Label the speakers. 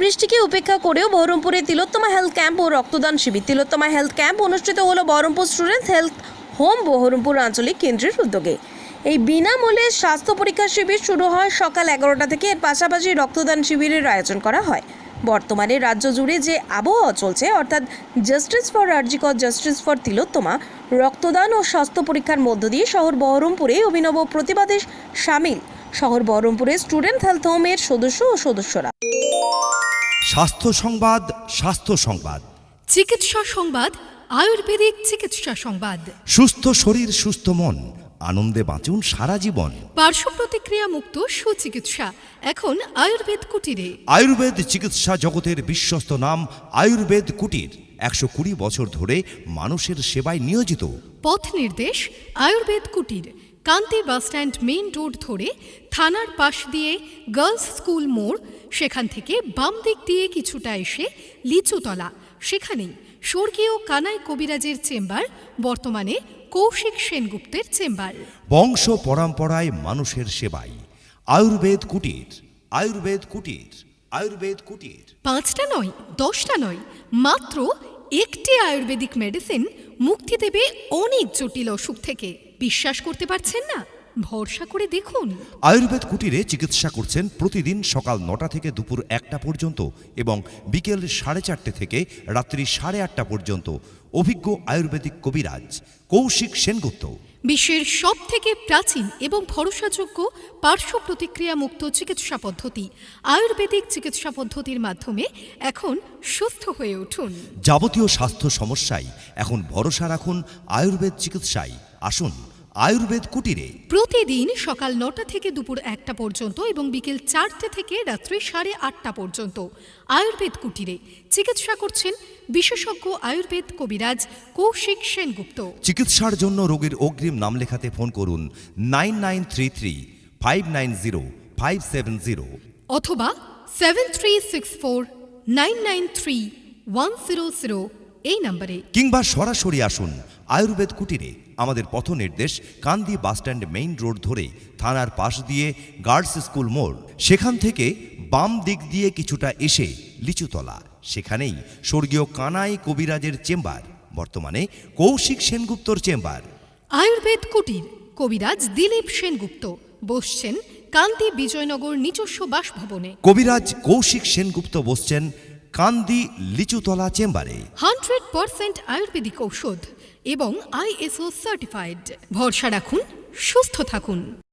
Speaker 1: বৃষ্টিকে উপেক্ষা করেও বহরমপুরে তিলোত্তমা হেলথ ক্যাম্প ও রক্তদান শিবির। তিলোত্তমা হেলথ ক্যাম্প অনুষ্ঠিত হলো Baharampur students health home Baharampur আঞ্চলিক কেন্দ্রের উদ্যোগে। এই বিনামূল্যে স্বাস্থ্য পরীক্ষা শিবির শুরু হয় সকাল 11টা থেকে। এর পাশাপাশি রক্তদান শিবিরের আয়োজন করা হয়। বর্তমানে রাজ্য জুড়ে যে আবহাওয়া চলছে, অর্থাৎ justice for RG Kar, justice for Tilottama, রক্তদান ও স্বাস্থ্য পরীক্ষার মধ্য দিয়ে শহর বহরমপুরে অভিনব প্রতিবাদে সামিল শহর বহরমপুরের স্টুডেন্ট হেলথ হোমের সদস্য ও সদস্যরা।
Speaker 2: স্বাস্থ্য সংবাদ, স্বাস্থ্য সংবাদ,
Speaker 3: চিকিৎসা সংবাদ, আয়ুর্বেদিক চিকিৎসা সংবাদ।
Speaker 2: সুস্থ শরীর, সুস্থ মন, আনন্দে বাঁচুন সারা জীবন।
Speaker 3: পার্শ্ব প্রতিক্রিয়া মুক্ত সুচিকিৎসা এখন আয়ুর্বেদ কুটিরে।
Speaker 2: আয়ুর্বেদ চিকিৎসা জগতের বিশ্বস্ত নাম আয়ুর্বেদ কুটির 120 বছর ধরে মানুষের সেবায় নিয়োজিত।
Speaker 3: পথ নির্দেশ আয়ুর্বেদ কুটির, কান্তি বাসস্ট্যান্ড মেইন রোড ধরে থানার পাশ দিয়ে গার্লস স্কুল মোড়, সেখান থেকে বাম দিক দিয়ে কিছুটা এসে লিচুতলা, সেখানেই স্বর্গীয় কানাই কবিরাজের চেম্বার, বর্তমানে কৌশিক সেনগুপ্তের চেম্বার।
Speaker 2: বংশ পরম্পরায় মানুষের সেবায় আয়ুর্বেদ কুটির, আয়ুর্বেদ কুটির, আয়ুর্বেদ কুটির।
Speaker 3: 5টা নয়, 10টা নয়, মাত্র একটি আয়ুর্বেদিক মেডিসিন মুক্তি দেবে অনেক জটিল অসুখ থেকে। বিশ্বাস করতে পারছেন না? ভরসা করে দেখুন।
Speaker 2: আয়ুর্বেদ কুটিরে চিকিৎসা করছেন প্রতিদিন সকাল 9টা থেকে দুপুর 1টা পর্যন্ত এবং বিকেল 4:30 থেকে রাত্রি 8:30 পর্যন্ত অভিজ্ঞ আয়ুর্বেদিক কবিরাজ কৌশিক সেনগুপ্ত।
Speaker 3: বিশ্বের সবথেকে প্রাচীন এবং ভরসাযোগ্য পার্শ্ব প্রতিক্রিয়া মুক্ত চিকিৎসা পদ্ধতি আয়ুর্বেদিক চিকিৎসা পদ্ধতির মাধ্যমে এখন সুস্থ হয়ে উঠুন।
Speaker 2: যাবতীয় স্বাস্থ্য সমস্যায় এখন ভরসা রাখুন আয়ুর্বেদ চিকিৎসায়। আসুন আয়ুর্বেদ কুটিরে।
Speaker 3: প্রতিদিন সকাল 9টা থেকে দুপুর 1টা পর্যন্ত এবং বিকেল 4টে থেকে রাত্রি 8:30 পর্যন্ত আয়ুর্বেদ কুটিরে চিকিৎসা করছেন বিশেষজ্ঞ আয়ুর্বেদ কবিরাজ কৌশিক সেনগুপ্ত।
Speaker 2: চিকিৎসার জন্য রোগীর অগ্রিম নাম লেখাতে ফোন করুন 9933590570
Speaker 3: অথবা 7364993100 এই নম্বরে,
Speaker 2: কিংবা সরাসরি আসুন আয়ুর্বেদ কুটিরে। আমাদের পথ নির্দেশ কান্দি বাসস্ট্যান্ড মেইন রোড ধরে থানার পাশ দিয়ে গার্লস স্কুল মোড়, সেখান থেকে বাম দিক দিয়ে কিছুটা এসে লিচুতলা, সেখানেই স্বর্গীয় কানাই কবিরাজের চেম্বার, বর্তমানে কৌশিক সেনগুপ্তর চেম্বার।
Speaker 3: আয়ুর্বেদ কুটির, কবিরাজ দিলীপ সেনগুপ্ত বসছেন কান্দি বিজয়নগর নিজস্ব বাসভবনে।
Speaker 2: কবিরাজ কৌশিক সেনগুপ্ত বসছেন কান্দি লিচুতলা চেম্বারে।
Speaker 3: 100% আয়ুর্বেদিক ঔষধ এবং ISO সার্টিফাইড। ভরসা রাখুন, সুস্থ থাকুন।